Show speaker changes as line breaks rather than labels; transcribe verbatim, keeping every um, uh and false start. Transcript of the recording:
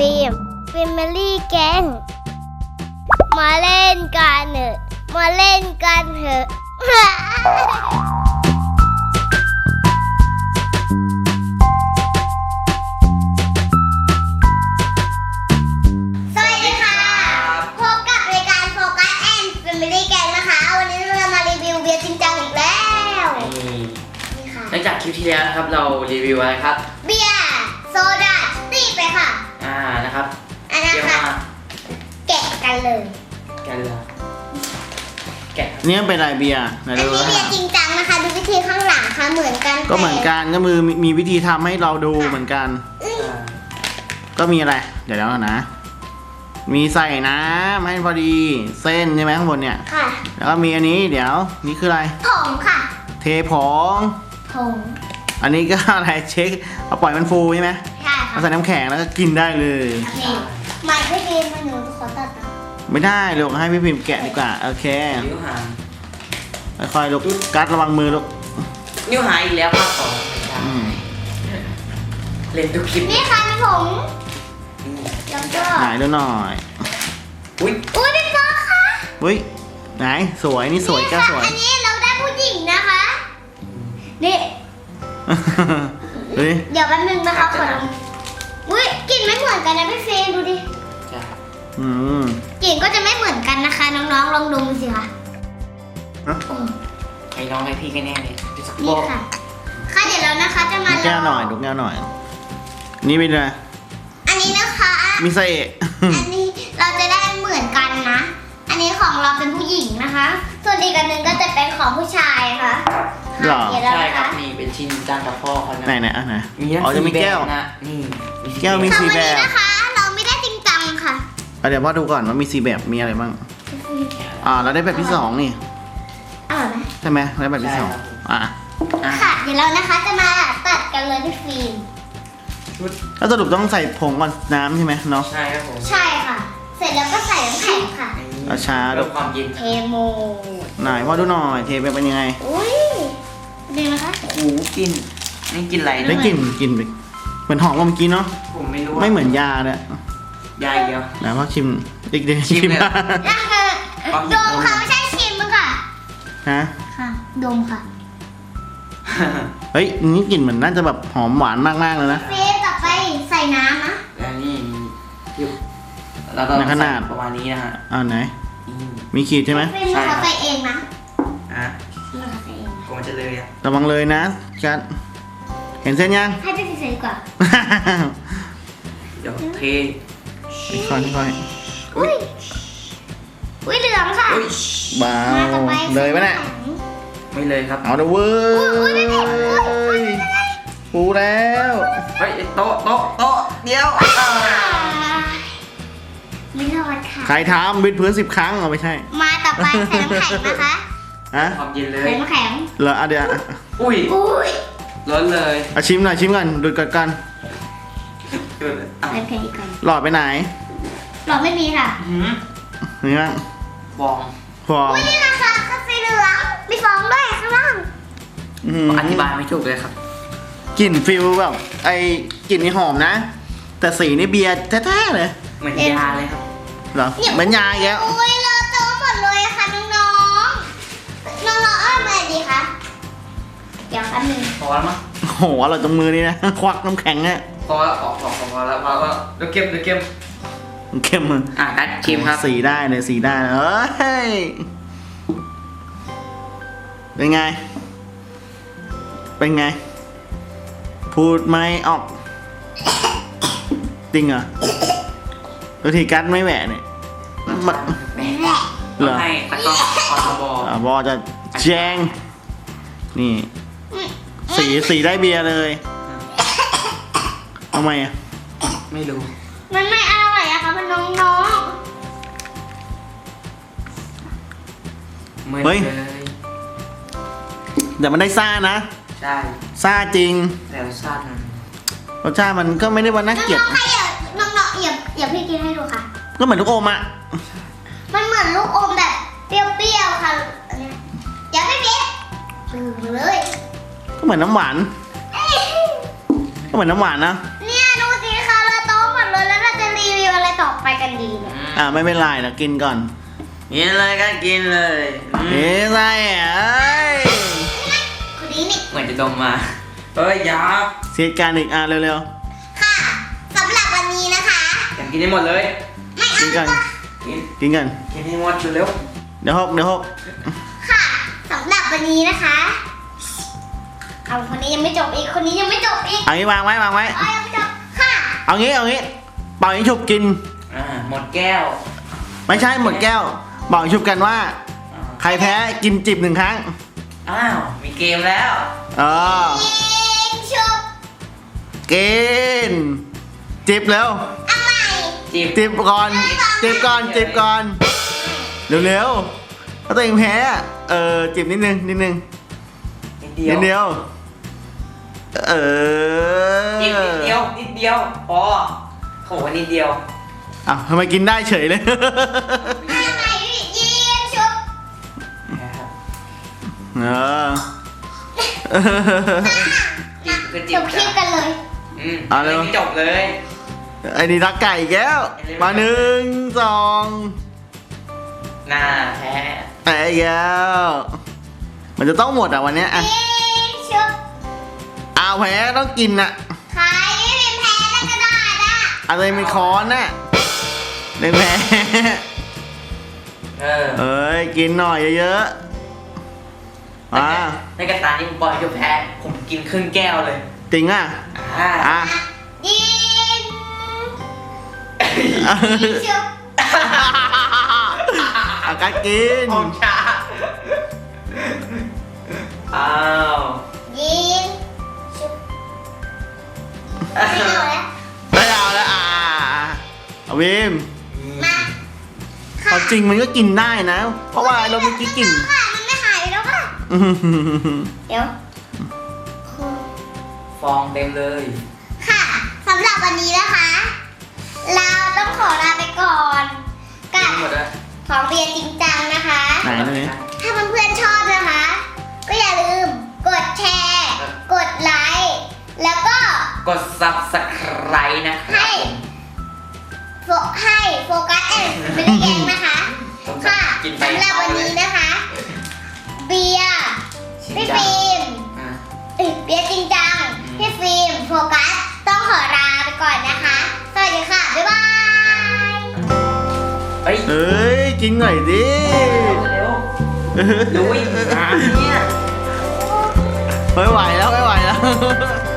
ฟิล์มฟิล์มลี่แกงมาเล่นกันเถอะมาเล่นกันเถอะสวัสดีค่ะพบกับรายการโฟกัสแอนด์ฟิล์มลี่แกงนะคะวันนี้เรามารีวิวเบียร์จริงจังอีกแล้วนี่ค่ะ
หลังจากคลิปที่แล้วนะครับเรารีวิวอะไรครับ
เบียร์โซดาตีไปค่ะ
อ่านะครับ
อันนั้นค่ะแกะกันเลย
แกะเลยแกะ
นี่เป็นอะไรเบียร์ไหน
อัน
ดู
นี้เบียร์จริงจังนะคะดูวิธีข้างหลังค่ะเหมือนกัน
ก็เหมือนกันก็มือมีวิธีทำให้เราดูเหมือนกันก็มีอะไรเดี๋ยวแล้วนะมีใส่น้ำให้พอดีเส้นใช่ไหมข้างบนเนี่ย
ค่ะ
แล้วก็มีอันนี้เดี๋ยวนี่คืออะไร
ผงค่ะ
เทผง
ผง
อันนี้ก็อะไรเช็คเอาปล่อยมันฟูใช่ไหม
ใช่ค่ะ
เอาใส่น้ำแข็งแล้วก็กินได้เลย
โอเคไม่ไม่ดีมันหนูขอตัดนะ
ไม่ได้ลูกให้พี่พิมพ์แกะดีกว่าโอเค
นิ้วหาง
ค่อยๆลูกกัดระวังมือลูก
นิ้วหางอีกแล้วครับของเล่นทุกคลิป
นี่ค่ะมีผงแล้วก็
ไหนดูหน่อย
อุ้ย
อุ้ยพี่ป๊อกค่ะ
อุ้ยไหนสวยนี่สวยก้าสวย
อันนี้เราได้ผู้หญิงนะคะนี่
เฮ้ย
เดี๋ยวแป๊บนึงนะคะขอลองอุ้ยกลิ่นไม่เหมือนกันนะพี่เฟรมดูดิ
อืม
กลิ่นก็จะไม่เหมือนกันนะคะน้องๆลองดมสิคะ
ใครน้องให้พี่กันแน่เลย
นี่ค่ะค่ะเดี๋ยวเรานะคะจะมา
แก้วหน่อยดูแก้วหน่อยนี่เป็นอะไร
อันนี้นะคะ
มิเซ่
อันนี้เราจะได้เหมือนกันนะอันนี้ของเราเป็นผู้หญิงนะคะส่วนอีกอันหนึ่งก็จะเป็นของผู้ชายค่ะ
หรอ
ใช่ครับนี่เป็นชิ้นจ้างกับพ่อเขานะ
ไหนไหนอ่ะไหน
อ๋อ
จะมีแก้ว
นะนี่
แก้วมีสีแบบ
นะคะเราไม่ได้จริงจังค่ะ
เดี๋ยวพ่อดูก่อนว่ามีสีแบบมีอะไรบ้างอ่าเราได้แบบที่สองนี่
อร่อยไหม
ใช่ไหมได้แบบที่สองอ่ะ
ค่ะเดี๋ยวเรานะคะจะมาตัดกันเลยพี่ฟิล์ม
แล้วสรุปต้องใส่ผงก่อนน้ำใช่ไหมเนาะ
ใช่ครับผม
ใช่ค่ะเสร็จแล้วก็ใส่น้ำแข็งค่ะ
เอาช้าดู
ความเย็น
เทโม
ไหนพ่อดูหน่อยเทไปเป็นยังไง
อุ้ยดีนะคะ
โอ้โหกินนี่กินอะไร
ได้กลิ่นกลิ่นเหมือนหอมกว่าเมื่อกี้เนาะ
ผมไม่รู้
ไม่เหมือนยาเลย
ยาเดียว
ไหนพ่อชิมอีกเดียว
ชิมเลย
ดมค่ะไม่ใช่ชิมค่ะ
ฮะ
ค่ะดมค่ะ
เฮ้ยนี่กลิ่นเหมือนน่าจะแบบหอมหวานมากๆเลยนะ
เฟสต่อไปใส่น้ำนะ
แล้วนี่แล้วก็ขนาดประมาณนี้นะฮะ
อ่าไหนมีขีดใช่ไหม
ใช่เขาใส่เองนะ
อ่ะก็มันจะเลยอ่ะ
ระวังเลยนะจัดเห็นเส้นยัง
ให้ไปใส่ดีกว่า
เดี๋ยวเท
ค่อยค่อย
อุ้ยอุ้ยเหลืองค่ะ
บ้าเลยปะเนี่ย
ไม่เลยครับ
เอาเด้อเว้ยปูแล้ว
เฮ้ยโต๊ะโต๊ะโต๊ะเดี๋ยว
ไม่รอดค่ะ
ใครทำบิดพื้นสิบครั้งเอาไม่ใช่
มาต่อไปใส่น้ำแข็งนะคะ
ฮะ
ความเย็นเลย
ใส่น้ำแข็ง
เหรออ่ะเดี๋ยว
อุ้ย
อุ้ย
ร้อนเลย
อ่ะชิมหน่อยชิมกันดูกันกัน
ใส่น้ำแข็งอีกก่อน
หลอดไปไหน
หลอดไม่มีค่ะ
นี่มั้ง
ฟอง
ฟอง
อุ้ยนี่นะคะกาแฟเหลืองมีฟองด้วยข้างล่าง
อธิบายไม่ถูกเลยครับ
กลิ่นฟิลแบบไอ้กลิ่นนี่หอมนะแต่สีนี่เบียร์แท้ๆเลย
เหมือนยาเลยครับ
เหรอเหมือนยาแก
อุ้ยเลอะเทอะหมดเลยค่ะน้องๆน้องๆเอามาดีคะเดี๋ยวแป๊บนึง
พอแล้วมั้ง
โหเราตรงมือนี่นะควักน้ำแข็งเนี่ย
พอแล้วออกออกพอแล้วพอแล้วเดี๋ยวเก็บเดี๋ยวเก็บ
เข้มมือ
อ่ะนัดชิมครับ
สีได้เลยสีได้เอ้ยเป็นไงเป็นไงพูดไม่ออกจริงเหรอตัวทีกัดไม่แหวะเนี่ยมัน
เหรอให้ตะกร้ออทบ
อ่ะบอจะแจ้งนี่สีสีได้เบียร์เลยทำไมอ่ะ
ไม่รู้
มันไม่อร่อยอะค่ะมันน้อง
ๆเฮ้ยแต่มันได้ซ่านะ
ใช่
ซ่าจริง
แต่รสชาติมัน
รสชาติมันก็ไม่ได้ว่าน่าเกลียด
น้องๆค่ะอย่าน้องๆอย่าอย่าพี่กินให้ดูค่ะ
ก็เหมือนลูกอมอ่ะ
มันเหมือนลูกอมแบบเปรี้ยวๆค่ะอย่าไม่เปรี้ยวเลย
ก็เหมือนน้ำหวานก็เหมือนน้ำหวานนะ
เนี่ยดูสิค่ะเราโตหมดเลยแล้วเราจะเรีไปกันดีเนี่ย
อ่าไม่เป็นไรนะกินก่อน
กินเลยก็กินเลยอืม
เฮ้ยใส่เอ้ย
คนนี้นี่
เหมือนจะดมมาเฮ้ยอยา
เสียการอีกอ่ะเร็ว
ค่ะสำหรับวันนี้นะคะ
อยากกินให้หมดเลย
ไม่
ๆ
เอา
กินก่อน
กิน
กินก่อน
กินให้หมดเร็ว
เดี๋ยวหกเดี๋ยวหก
ค่ะสำหรับวันนี้นะคะเอาคนนี้ยังไม่จบอีกคนนี้ยังไม่จบอีก
เอางี้วางไว้วางไว้
เอายังไม่จบค่ะ
เอางี้เอางี้เป่ายิงฉุบกิน
อ่าหมดแก้ว
ไม่ใช่หมดแก้วเป่ายิงฉุบกันว่า
อ่า
ใครแพ้กินจิบหนึ่งครั้ง
อ้าวมีเกมแล้ว
เออ
ยิงชุบ
กินจิบเร็ว
เอาใหม่
จีบ
จิบก่อนจิบก่อนจิบก่อนเร็วๆถ้าตัวเองแพ้อะเออจิบนิดนึงนิดนึง
นิดเดีย
นิ
ว
ดเดียวเออ
จีบนิดเดียวนิดเดียวพอเขาบอกว่านิดเดียว
อ้าวทำไมกินได้เฉยเลย
เอาใหม่ยิงชุบ
นะครับ
เออ
จีบก็จี
จ
บบ
คลิปกันเลย
อืม
เอาเร็ว
ไม่จบเลย
ไอ้นี่รักไก่อีกแล้วมาหนึ่งสอง
หน้าแพ้
แพ้อีกแล้วมันจะต้องหมดอ่ะวันเนี้ยอ่ะ
ยิงชุบ
อ้าวแพ้ต้องกินอ่ะ
ใครไม่เป็นแพ้แล้วก็ได้นะ
อะไรเป็นค้อนน่ะเล่นแพ้
เออ
เอ้ยกินหน่อยเยอะๆอ่า
ในกระตานี้ผมบอกให้จบแพ้ผมกินครึ่งแก้วเลย
จริงอ่ะ
อ่า
อ่ะ
ยิงยิงชุบ
อากาศกิน
ผมช้าอ้าว
ยิงชุบไม่เอาแล้ว
ไม่เอาแล้วอ่าเอาวิม
มา
เอาจริงมันก็กินได้นะ เพราะว่าเราเมื่อกี้กิน
ค่ะมันไม่หายไปแล้วค่ะ
อื้อหือ
เดี๋ยว
ฟองเต็มเลย
ค่ะสำหรับวันนี้นะคะ เราต้องขอลาไปก่อนกับ
หมดแล้ว
ของเรียนจริงจังนะคะ
ไหนเลย
ถ้าเพื่อนๆชอบนะคะ ก็อย่าลืมกดแชร์ กดไลค์ แล้วก็
กด ซับสไครบ์ นะครับ
ให้ โฟให้โฟกัสแอนด์ไม่ได้แกงนะคะ
ผม
ค่ะ
กินไป
สำหรับวันนี้นะคะ เบียร์
ชิม
พี่
จัง
ฟิล์ม
อ่ะ
เอ้ยเบียร์จริงจัง
อืม
พี่ฟิล์มโฟกัสต้องขอลาไปก่อนนะคะ สวัสดีค่ะ บ๊ายบาย
เฮ้ย
เอ้ยกินหน่อยดิ
เร็วๆดูอีกอ่ะเนี่ย
ไม่ไหวแล้วไม่ไหวแล้ว